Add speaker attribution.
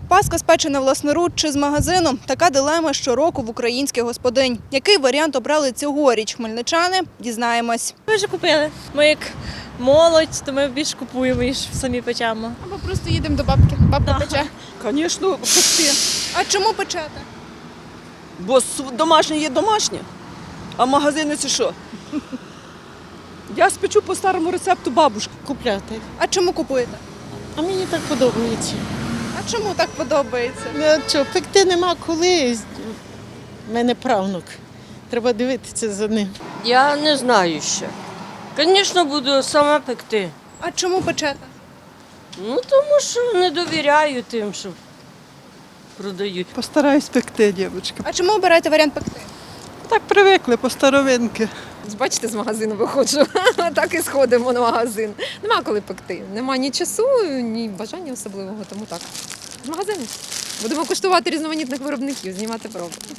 Speaker 1: Паска спечена власноруч чи з магазину – така дилема щороку в українських господинь. Який варіант обрали цьогоріч хмельничани – дізнаємось.
Speaker 2: Ми вже купили. Ми як молодь, то ми більш купуємо, ніж самі печемо.
Speaker 1: Або просто їдемо до бабки. Бабка пече.
Speaker 3: Звісно, пекти.
Speaker 1: А чому печете?
Speaker 3: Бо домашнє є домашнє, а магазини це що? Я спечу по старому рецепту бабушки.
Speaker 4: Купляти.
Speaker 1: А чому купуєте?
Speaker 4: А мені так подобається.
Speaker 1: А чому так подобається?
Speaker 4: Ну, що, пекти нема коли. У мене правнук. Треба дивитися за ним.
Speaker 5: Я не знаю ще. Звісно, буду сама пекти.
Speaker 1: А чому печете?
Speaker 5: Ну, тому що не довіряю тим, що продають.
Speaker 6: Постараюсь пекти, дівчатка.
Speaker 1: А чому обираєте варіант пекти?
Speaker 6: Так привикли по старовинки.
Speaker 7: Бачите, з магазину виходжу, так і сходимо на магазин. Нема коли пекти. Нема ні часу, ні бажання особливого, тому так. З магазину. Будемо куштувати різноманітних виробників, знімати проби.